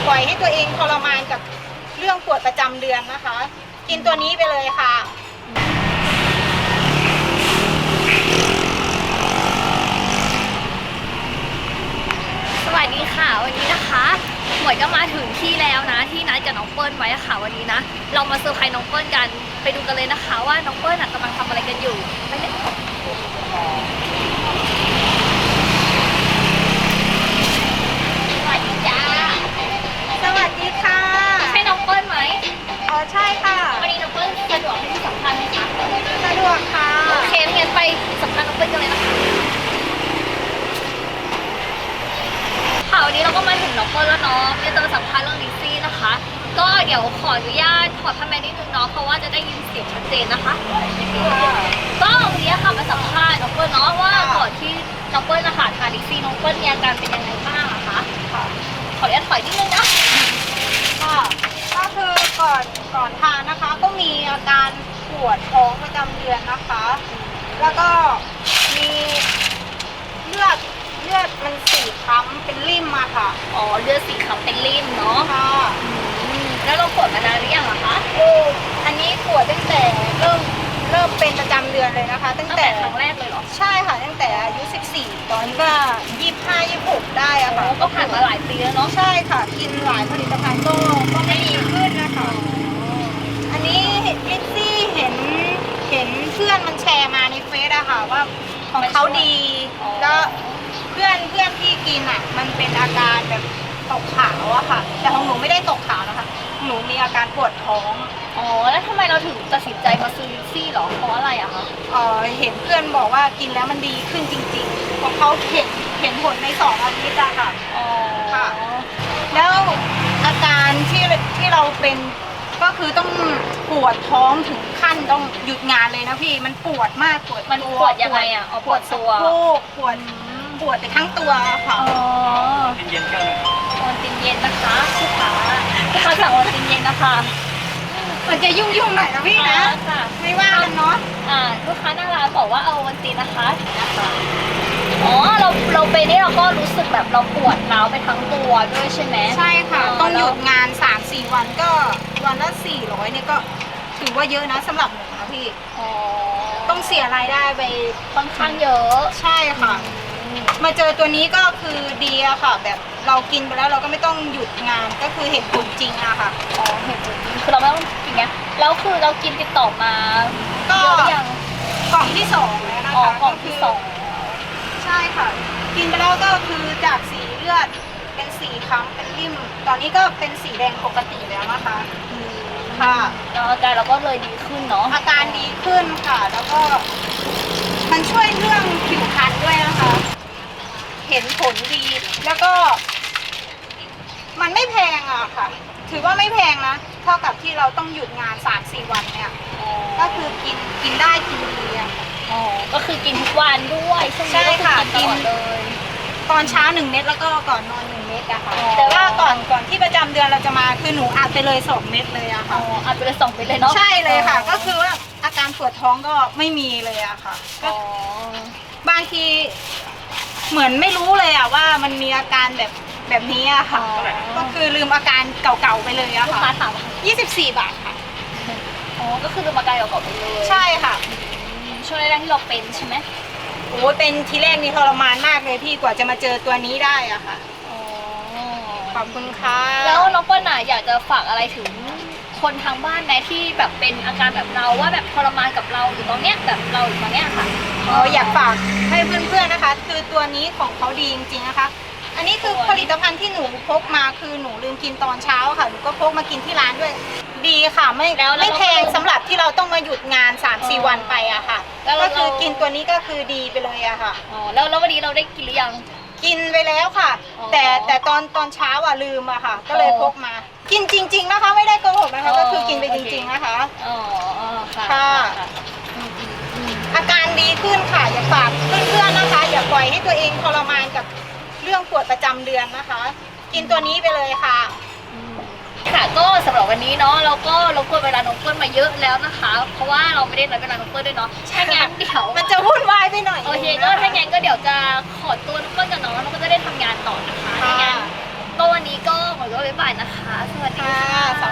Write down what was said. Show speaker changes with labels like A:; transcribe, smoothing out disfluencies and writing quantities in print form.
A: ปล่อยให้ตัวเองทรมานกับเรื่องปวดประจำเดือนนะคะ กินตัวนี้ไปเลยค่ะ
B: สวัสดีค่ะวันนี้นะคะหมวยก็มาถึงที่แล้วนะที่นัดกับน้องเปิ้ลไว้ค่ะวันนี้นะเรามาเซอร์ไพรส์น้องเปิ้ลกันไปดูกันเลยนะคะว่าน้องเปิ้ลกำลังทำอะไรกันอยู่ไปเลยสวัสดีจ้า
A: สวัสดีค่ะ
B: ใช่น้องเปิ้ลไหม
A: อ๋อใช่ค่ะ
B: วันนี้น้องเปิ้ลสะดวกให้ที่สัมภาษณ์ไหมคะ
A: สะดวกค่ะ
B: โอเคงั้นไปสัมภาษณ์น้องเปิ้ลกันเลยนะคะค่ะวันนี้เราก็มาถึงน้องเปิ้ลแล้วเนาะจะมาสัมภาษณ์เรื่องลิซซี่นะคะก็เดี๋ยวขออนุญาตถอดผ้าแมสนิดนึงเนาะเพราะว่าจะได้ยินเสียงชัดเจนนะคะก็วันนี้ค่ะมาสัมภาษณ์น้องเปิ้ลเนาะว่าก่อนที่น้องเปิ้ลนะคะทานลิซซี่น้องเปิ้ลมีอาการเป็นยังไงบ้างอะคะขออนุญาตถอยนิดนึงนะ
A: ค่ะก็คือก่อนทานนะคะ ก็มีอาการปวดท้องประจำเดือนนะคะ แล้วก็มีเลือดมันสีคล้ำเป็นริ่มมาค่ะ
B: อ๋อเลือดสีขาวเป็นริ่มเนาะ
A: ค่ะ
B: แล้วเราปวดมานานหรือยังอะคะ
A: อันนี้ปวดตั้งแต่เริ่มเป็นประจำเดือนเลยนะคะ ตั้งแต่
B: ครั้งแรกเลยเหรอ
A: ใช่ค่ะตั้งแต่อายุ14ตอนนี้ก็25-26ได้อะค่ะ
B: ก็ผ่านมาหลายปีแล้วเนาะ
A: ใช่ค่ะกินหลายผลิตภัณฑ์ก็ไม่ดีขึ้นนะคะอันนี้ลิซซี่เห็นเพื่อนมันแชร์มาในเฟซอะค่ะว่าของเขาดีแล้วเพื่อนที่กินอะมันเป็นอาการแบบตกขาวอะค่ะแต่ของหนูไม่ได้ตกขาวนะคะหนูมีอาการปวดท้อง
B: อ๋อแล้วทำไมเราถึงตัดสินใจมาซื้อลิซซี่หรอเพราะอะไรอะคะ
A: เห็นเพื่อนบอกว่ากินแล้วมันดีขึ้นจริงๆของเขาเห็นผลใน2 อาทิตย์อะค่ะค่ะแล้วอาการที่เราเป็นก็คือต้องปวดท้องถึงขั้นต้องหยุดงานเลยนะพี่มันปวดมาก
B: มันปวดยังไงอะ
A: ปวดตัวปวดไปทั้งตัวค่ะ
B: ตินเย็นกันโอนตินเย็นนะคะลูกค้าสั่งโอนตินเย็นนะคะ
A: มันจะยุ่งหน่อยนะพี่นะไม่ว่ากันเนาะ
B: ลูกค้าหน้าร้านบอกว่าเอาโอนตินนะคะอ๋อเราไปนี่เราก็รู้สึกแบบเราปวดร้าวไปทั้งตัวด้วยใช่ไหม
A: ใช่ค่ะต้องหยุดงาน 3-4 วันก็วันละ400เนี่ยก็ถือว่าเยอะนะสำหรับหนูนะพี่ต้องเสียรายได้ไป
B: ค่อนข้างเยอะ
A: ใช่ค่ะมาเจอตัวนี้ก็คือดีอะค่ะแบบเรากินไปแล้วเราก็ไม่ต้องหยุดงานก็คือเห็นผลจริงอะค่ะ
B: เห็นผลจริงคือเราไม่ต้องกินไงแล้วคือเรากินติดต่อมา
A: ก็ยังกล่องที่2แล้วนะคะ
B: กล่องที่
A: ใช่ค่ะกินไปแล้วก็คือจากสีเลือดเป็นสีคล้ำเป็นริ่มตอนนี้ก็เป็นสีแดงปกติแล้วนะคะค่ะ
B: แล้วอาการเราก็เลยดีขึ้นเนาะ
A: อาการดีขึ้นค่ะแล้วก็มันช่วยเรื่องผิวพรรณด้วยนะคะเห็นผลดีแล้วก็มันไม่แพงอะค่ะถือว่าไม่แพงนะเท่ากับที่เราต้องหยุดงาน 3-4 วันเนี่ยก็คือกินได้กินดีอะ
B: ก็คือกินทุกวันด้วย
A: ใช่ค่ะ
B: กินเลย
A: ตอนเช้า1 เม็ดแล้วก็ก่อนนอน1 เม็ดอะค่ะแต่ว่าก่อนที่ประจำเดือนเราจะมาคือหนูอัดไปเลย2 เม็ดเลยอะค่ะ
B: อัดไปเลย2 เม็ดเลยเนาะ
A: ใช่เลยค่ะก็คือว่าอาการปวดท้องก็ไม่มีเลยอะค่ะบางทีเหมือนไม่รู้เลยอะว่ามันมีอาการแบบนี้อะค่ะก็คือลืมอาการเก่าๆไปเลยอะค่ะ
B: ถาม
A: 24 บาทค่ะ
B: ก็คือลืมอาการเก่าๆไปเลย
A: ใช่ค่ะ
B: ช่วงแรกที่เราเป็นใช่ไหม
A: โอ้เป็นทีแรกนี่ทรมานมากเลยพี่กว่าจะมาเจอตัวนี้ได้อะค่ะขอบคุณค่ะ
B: แล้วน้องเปิ้ลอยากจะฝากอะไรถึงคนทางบ้านไหมที่แบบเป็นอาการแบบเราว่าแบบทรมานกับเราอยู่ตอนเนี้ยแบบเราอยู่ตอนเนี้ยค่ะ
A: อยากฝากให้เพื่อนๆนะคะคือตัวนี้ของเขาดีจริงๆนะคะอันนี้คือผลิตภัณฑ์ที่หนูพกมาคือหนูลืมกินตอนเช้าค่ะหนูก็พกมากินที่ร้านด้วยดีค่ะไม่แพงสำหรับที่เราต้องมาหยุดงาน 3-4 วันไปอะค่ะก็คือกินตัวนี้ก็คือดีไปเลยอะค่ะ
B: แล้ววันนี้เราได้กินหรือยัง
A: กินไปแล้วค่ะแต่ตอนเช้าอะลืมอะค่ะก็เลยพกมากินจริงๆนะคะไม่ได้โกหกนะคะก็คือกินไปจริงๆนะคะค่ะอาการดีขึ้นค่ะอย่าฝากเพื่อนๆนะคะอย่าปล่อยให้ตัวเองทรมานกับเรื่องปวดประจำเดือนนะคะกินตัวนี้ไปเลยค่ะ
B: ค่ะก็สำหรับวันนี้เนาะเราก็รบกวนเวลาน้องเปิ้ลมาเยอะแล้วนะคะเพราะว่าเราไม่ได้นัดเวลาน้องเปิ้ลด้วยเนาะถ้างั้นเดี๋ยว
A: มันจะวุ่นวายไปหน่อย
B: โอเคก็ถ้างั้นก็เดี๋ยวจะขอตัวน้องเปิ้ลกับน้องก็จะได้ทำงานต่อนะคะถ้างั้นก็วันนี้ก็หมดก็บ๊ายบายนะคะ สวัสดี
A: ค่ะ
B: ค่ะ